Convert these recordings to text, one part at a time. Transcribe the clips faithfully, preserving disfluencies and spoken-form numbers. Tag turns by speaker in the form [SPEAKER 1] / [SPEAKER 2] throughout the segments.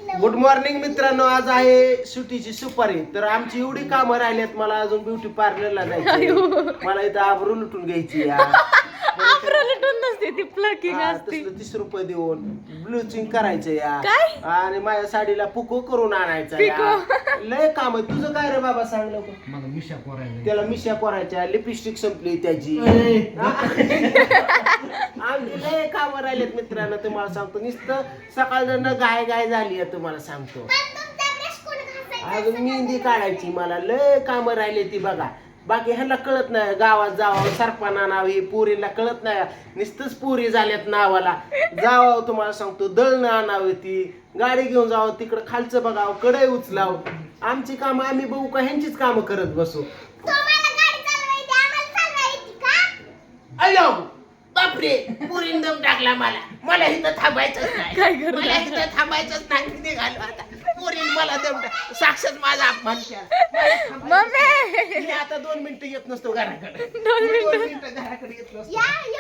[SPEAKER 1] Good morning मित्रांनो, आज आहे सुट्टीची सुपारी. तर आमची एवढी कामं राहिल्यात, मला अजून ब्युटी पार्लरला जायचं, मला इथं आबरू लुटून घ्यायची या
[SPEAKER 2] नसते ती प्लकिंग असते.
[SPEAKER 1] तसलं तीस रुपये देऊन ब्लिचिंग करायचं या
[SPEAKER 2] काय?
[SPEAKER 1] आणि माझ्या साडीला पुको करून आणायचा या. लय काम आहे. तुझं काय रे बाबा, सांग लवकर.
[SPEAKER 3] मला मिशा पोरायला
[SPEAKER 1] त्याला मिशा पोरायच्या, लिपस्टिक संपली त्याची. आमची लय कामं राहिलेत मित्रांनो, तुम्हाला सांगतो. नुसतं सकाळ गाय गाय झाली आहे तुम्हाला सांगतो. अजून मेहंदी काढायची, मला लय कामं राहिली ती बघा. बाकी ह्याला कळत नाही, गावात जावं सरपणा नाव ही पुरीला कळत नाही. नुसतंच पुरी झाल्यात नावाला. जावं तुम्हाला सांगतो, दळणं आणावं, ती गाडी घेऊन जावं, तिकडं खालचं बघावं, कडे उचलावं. आमची कामं आम्ही बघू का ह्यांचीच कामं करत बसू? अयो बापरे, पुरीन दम टाकला मला. मला इथं थांबायचंच नाही,
[SPEAKER 2] काय करू?
[SPEAKER 1] मला इथं थांबायचंच नाही. निघालो आता. पुरीन मला दम टाक, साक्षात माझा अपमान केला.
[SPEAKER 2] मम्मी
[SPEAKER 1] मी आता दोन मिनिटं येत नसतो घराकडे.
[SPEAKER 2] दोन
[SPEAKER 1] दोन मिनिटं घराकडे येत नसतो.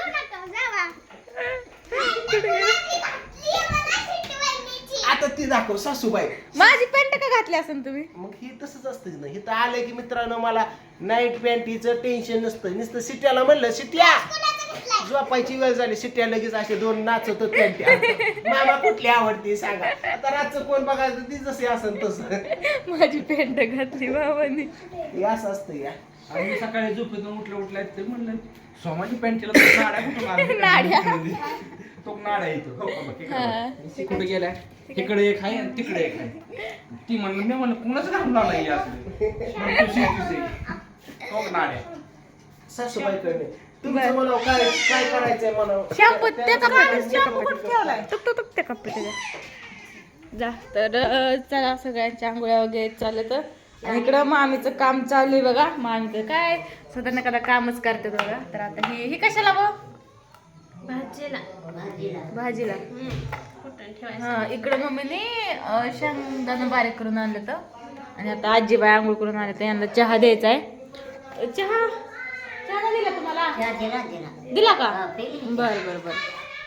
[SPEAKER 1] आता ती दाखव सासूबाई.
[SPEAKER 2] माझी पॅन्ट का घातली असेल तुम्ही?
[SPEAKER 1] मग ही तसंच असतं ना, इथं आलं की मित्रांनो मला नाईट पॅन्टीचं टेन्शन नसतं. नुसतं सिट्याला म्हणलं, सिट्या झोपायची वेळ झाली, सिट्या लगेच असे दोन नाचत पॅन्टी. मामा कुठली आवडते सांगा. आता रातचं कोण बघायचं, ती जशी असेल तसं.
[SPEAKER 2] माझी पॅन्ट घातली बाबांनी.
[SPEAKER 1] हे असं असतं या.
[SPEAKER 3] आणि मी सकाळी झोपेतून उठलं उठल्या ते म्हणलं सोमाची पॅन्टीला तो नाड्या कुठून आल्या?
[SPEAKER 2] नाड्या.
[SPEAKER 3] तो नाडा येतो हो बाबा, इकडे
[SPEAKER 2] हा.
[SPEAKER 3] बघ. कुठे गेलाय? इकडे एक आहे आणि तिकडे एक आहे. ती म्हणलं, मी म्हणलं कुणाच घालून आला हे असले? म्हणलं, तुझी तुझी. तो नाड्या.
[SPEAKER 1] सासूबाईकडे तुमचं म्हणावं, काय काय करायचंय म्हणावं.
[SPEAKER 2] शॅम्पू त्याचा ठेवलाय. तुक तुक तुक त्या कप्पे त्याच्या जा. तर अं, चला सगळ्यांच्या आंघोळ्या वगैरे चालत. आणि इकडं मामीचं काम चालू आहे बघा. मामीचं काय स्वतः नका कामच करते बघा. तर आता ही ही कशाला बघ
[SPEAKER 4] भाजीला
[SPEAKER 2] भाजीला.
[SPEAKER 4] कुठं ठेवायचं?
[SPEAKER 2] हा इकडं मम्मीने अं, शेंगदाणा बारीक करून आणलं तर. आणि आता आजीबाई आंघोळ करून आणलं तर यांना चहा द्यायचा आहे. चहा चहा नाही दिला तुम्हाला? दिला का? बर बर बर.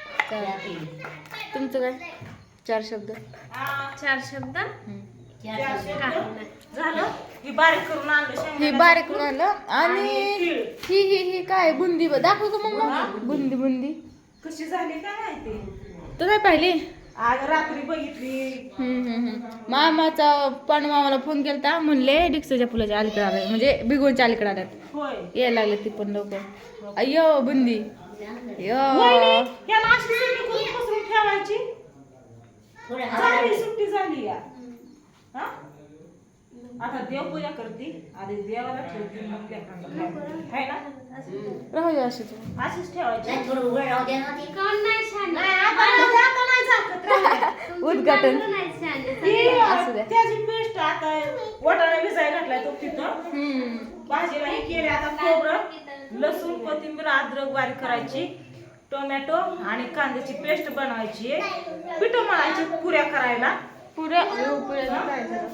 [SPEAKER 2] तुमचं काय चार शब्द?
[SPEAKER 4] चार शब्द
[SPEAKER 2] हम्म.
[SPEAKER 4] झालं.
[SPEAKER 2] हे बारीक करून आणलं. आणि ही ही ही काय बुंदी ब- दाखव का मग. बुंदी बुंदी
[SPEAKER 5] कशी झाली काय माहिती.
[SPEAKER 2] तू काय पाहिली?
[SPEAKER 5] आज रात्री बघितली.
[SPEAKER 2] हम्म हम्म हम्म. मामाचा पण मामाला फोन केलता, म्हणले डिक्सच्या फुलाच्या अलीकडे आले, म्हणजे बिगोनच्या अलीकडे आल्यात.
[SPEAKER 5] होय.
[SPEAKER 2] यायला लागले ती पण लवकर. अय्यो बुंदी अय्यो.
[SPEAKER 5] याला अशी सुट्टी करून पसरून ठेवायची. झाली सुट्टी झाली या. हा? आता देवपूजा करते, आधी देवाला ठेवते, मग लेकरांना खायला. है ना?
[SPEAKER 2] राहू दे अशीच.
[SPEAKER 5] अशीच ठेवायची.
[SPEAKER 4] कोण नाही छान?
[SPEAKER 5] नाही, आता नाही, आता नाही झाकत राहू दे.
[SPEAKER 2] उद्घाटन.
[SPEAKER 4] नाही छान.
[SPEAKER 5] ती,
[SPEAKER 2] असू द्या.
[SPEAKER 5] त्याची पेस्ट आता वाटाणा भिजायला घातलाय तो तिथं.
[SPEAKER 2] हम्म.
[SPEAKER 5] भाजीला हे केले. आता खोबरं, लसूण, कोथिंबीर, अद्रक बारीक करायची, टोमॅटो आणि कांद्याची पेस्ट बनवायची, पिठं मळायची पुऱ्या करायला.
[SPEAKER 2] पुऱ्या अयो, पुऱ्या काय झालं?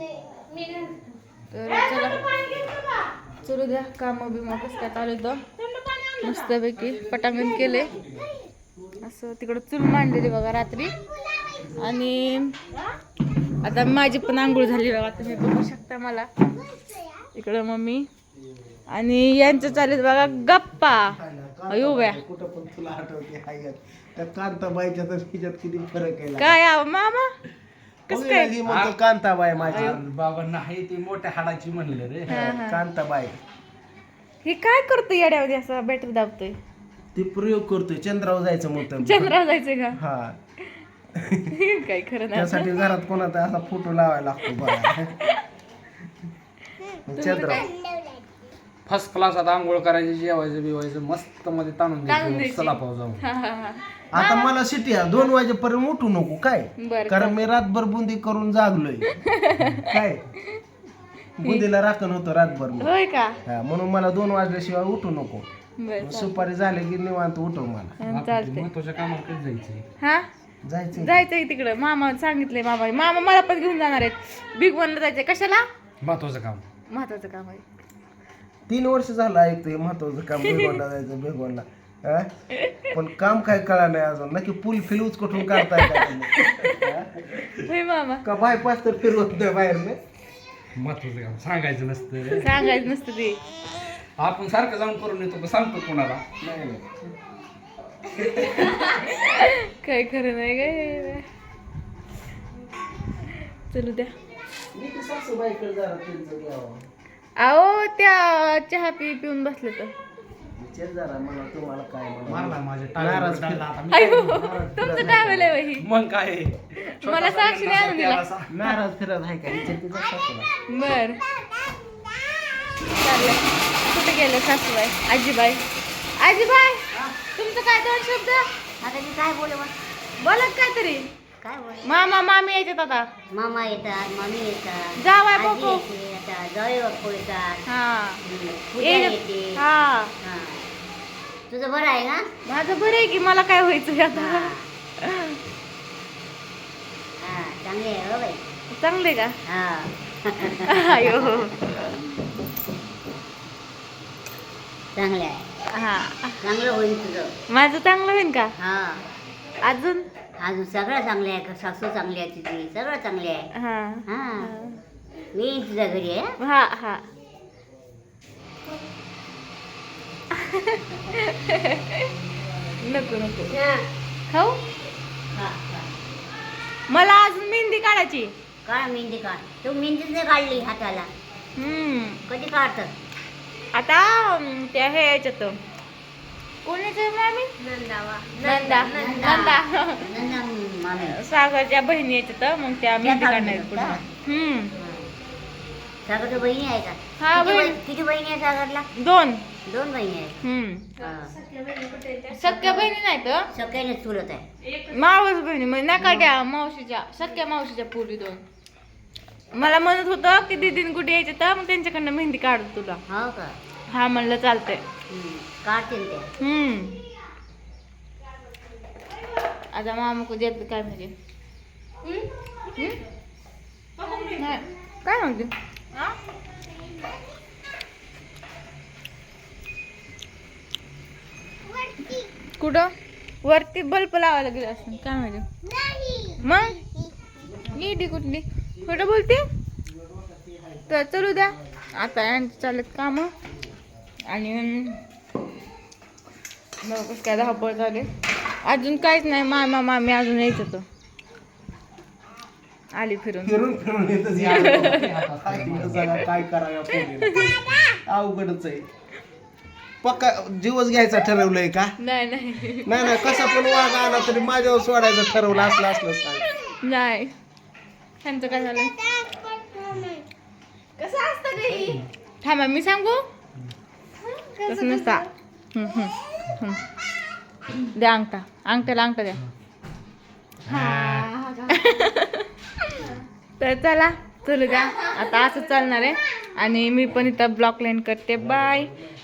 [SPEAKER 2] तर चला चलू द्या. काम बिमा कसं काय चालू होतं. मस्तपैकी पटांगण केले असं. तिकडं चूल मांडलेली बघा रात्री. आणि आता माझी पण आंघोळ झाली बघा, तुम्ही बघू शकता मला. इकडं मम्मी आणि यांचं चालेल बघा गप्पा. अयो बया,
[SPEAKER 1] कुठं पण तुला आठवते हाय यात. त्या कांताबाईच्या तर हिच्यात किती फरक आहे.
[SPEAKER 2] काय आव मामा कसं काय?
[SPEAKER 1] ही म्हणतो कांताबाई माझी.
[SPEAKER 3] बाबा नाही, ती मोठ्या हाडाची म्हणलं रे.
[SPEAKER 2] हा, हा.
[SPEAKER 1] कांताबाई
[SPEAKER 2] हे काय करतोय येड्यामध्ये असं बॅटरी दाबतोय?
[SPEAKER 1] ती प्रयोग करतोय, चंद्रावर जायचं म्हणतं.
[SPEAKER 2] चंद्रावर जायचंय का?
[SPEAKER 1] हा,
[SPEAKER 2] काय खरं नाही.
[SPEAKER 1] त्यासाठी घरात कोणाचा असा फोटो लावायला लागतो बघा. चंद्र
[SPEAKER 3] फर्स्ट क्लास आता आंघोळ करायची, जेवायचं बिवायचं मस्त मध्ये ताणून
[SPEAKER 2] ताणून
[SPEAKER 3] द्यायचं.
[SPEAKER 2] द्यायची.
[SPEAKER 3] चला पाव जाऊन.
[SPEAKER 2] हा, हा, हा.
[SPEAKER 1] आता मला सिटी आहे, दोन वाजेपर्यंत उठू नको काय,
[SPEAKER 2] बरं,
[SPEAKER 1] कारण मी रातभर बुंदी करून जागलोय काय. बुंदीला राखण होतं रातभर मी.
[SPEAKER 2] होय का?
[SPEAKER 1] हा, म्हणून मला दोन वाजल्याशिवाय उठू नको.
[SPEAKER 2] बरं
[SPEAKER 1] सुपारी झाले की निवांत उठव मला.
[SPEAKER 2] चालतंय. चालतंय.
[SPEAKER 3] महत्वाच्या कामात कधी जायचंय?
[SPEAKER 2] हा
[SPEAKER 1] जायचं
[SPEAKER 2] जायचंय तिकडं. मामा सांगितलंय. मामा मामा मला पण घेऊन जाणार आहेत. बिग वनला जायचंय. कशाला?
[SPEAKER 3] महत्वाचं काम.
[SPEAKER 2] महत्वाचं काम आहे.
[SPEAKER 1] तीन वर्ष झालं ऐकतोय महत्वाचं काम. बेगोनला जायचं बेगोनला. हा? पण काम काय कळा नाही अजून नक्की पूल फिलूच कुठून काढताय का तुम्ही? हा?
[SPEAKER 2] होय मामा
[SPEAKER 1] का बायपास तर फिरवत नाही बाहेर नाही
[SPEAKER 3] महत्वाचं काम सांगायचं नसतं.
[SPEAKER 2] सांगायचं नसतं ते.
[SPEAKER 3] आपण सारखं जाऊन करून येतो का सांगतो कोणाला?
[SPEAKER 1] नाही नाही.
[SPEAKER 2] काय खरं नाही काय. चलू द्या.
[SPEAKER 1] मी तर सासूबाईकडे जरा त्यांचं घ्यावं
[SPEAKER 2] अहो त्या चहा पी पिऊन बसले तर
[SPEAKER 1] विचार जरा मला तुम्हाला काय
[SPEAKER 3] मारला माझ्या
[SPEAKER 1] नाराज
[SPEAKER 3] टाळ्यावर
[SPEAKER 1] फिर-
[SPEAKER 3] आता मी
[SPEAKER 2] अयो
[SPEAKER 3] काय
[SPEAKER 2] तुमचं ट्रॅव्हल आहे वही.
[SPEAKER 3] मग काय
[SPEAKER 2] मला साक्षी नाही आणून दिला.
[SPEAKER 1] नाराज फिरत आहे का विचार तिचा सासूला
[SPEAKER 2] बर चाललंय. कुठे गेले सासूबाई आजीबाई आजीबाई तुमचं काय दोन शब्द
[SPEAKER 6] आता मी काय बोलू मग?
[SPEAKER 2] बोलत काय तरी
[SPEAKER 6] काय बोल
[SPEAKER 2] मामा मामी यायच्यात आता
[SPEAKER 6] मामा येतात मम्मी येतात
[SPEAKER 2] जावई
[SPEAKER 6] आजी
[SPEAKER 2] बापू.
[SPEAKER 6] येते आता जावई बापू येतात
[SPEAKER 2] हा
[SPEAKER 6] हम्म, पूजा
[SPEAKER 2] ये-
[SPEAKER 6] येते
[SPEAKER 2] हा
[SPEAKER 6] हा. तुझं बरं आहे ना
[SPEAKER 2] माझं बरं आहे की मला काय व्हायचं आता
[SPEAKER 6] हा हा, चांगली आहे हो बाई
[SPEAKER 2] चांगले का
[SPEAKER 6] हा
[SPEAKER 2] अयो
[SPEAKER 6] चांगले आहे
[SPEAKER 2] हा
[SPEAKER 6] चांगलं होईल तुझं
[SPEAKER 2] माझं चांगलं होईल का
[SPEAKER 6] हा
[SPEAKER 2] अजून
[SPEAKER 6] अजून सगळं चांगले आहे सासू चांगली आहे तुझी सगळं चांगले आहे
[SPEAKER 2] हा
[SPEAKER 6] हा मी येईन तुझ्या घरी आहे
[SPEAKER 2] हा हा नको नको खाऊ
[SPEAKER 6] हा, हा.
[SPEAKER 2] मला अजून मेहंदी काढायची
[SPEAKER 6] काढ मेहंदी काढ तू मेहंदीच नाही काढली हाताला
[SPEAKER 2] हम्म
[SPEAKER 6] कधी काढतात
[SPEAKER 2] आता अं, त्या हे याच्यात कोणाचं मामी
[SPEAKER 4] नंदावा
[SPEAKER 2] नंदा नंदा
[SPEAKER 6] नंदा मामी
[SPEAKER 2] सागरच्या बहिणी याच्यात मग त्या मेहंदी
[SPEAKER 6] काढून
[SPEAKER 2] काढणार
[SPEAKER 6] देतात
[SPEAKER 2] पुढे
[SPEAKER 6] का?
[SPEAKER 2] हम्म
[SPEAKER 6] सागरच्या बहिणी आहे का
[SPEAKER 2] हा,
[SPEAKER 6] किती
[SPEAKER 2] बहीण.
[SPEAKER 6] बही- किती बहिणी आहे सागरला
[SPEAKER 2] दोन
[SPEAKER 6] दोन बहिणी आहेत
[SPEAKER 2] हम्म
[SPEAKER 6] हा.
[SPEAKER 2] सख्या बहिणी नाही तर
[SPEAKER 6] सगळ्याने चुलत आहे
[SPEAKER 2] मावस बहिणी म्हणजे नका द्या मावशीच्या सख्या मावशीच्या पुरी दोन मला म्हणत होतं की दीदीन कुठे यायचं तर मग त्यांच्याकडनं मेहंदी काढू तुला
[SPEAKER 6] हो का
[SPEAKER 2] हा म्हणलं चालतंय
[SPEAKER 6] हम्म. काढतील ते
[SPEAKER 2] हम्म आता मामा को देत काय म्हणजे हम्म? नाही काय म्हणते कुठं वरती बल्ब लावायला गेला असं काय माहिती मग नीटी कुठली कुठं बोलते तर चलू द्या आता यांचं चालत काम आणि मग कसं काय धावपळ झाले अजून काहीच नाही मामा मामी अजून यायचं तर आली फिरून
[SPEAKER 1] फिरून फिरून येतच या. काय करावं पोरीला? अवघडच आहे पक्का जीवच घ्यायचा ठरवलंय का
[SPEAKER 2] नाही नाही
[SPEAKER 1] नाही नाही कसा पण वाघ आला तरी माझ्यावर सोडायचं ठरवलं असलं असलं सांग
[SPEAKER 2] नाही त्यांचं काय झालं
[SPEAKER 4] कसं असतं गं?
[SPEAKER 2] थांबा मी सांगू तसं नसता हम्म, हम्म, हम्म. द्या अंगठा अंगठ्याला अंगठा द्या तर चला चलू द्या आता असं चालणार आहे आणि मी पण इथं ब्लॉक लाईन करते बाय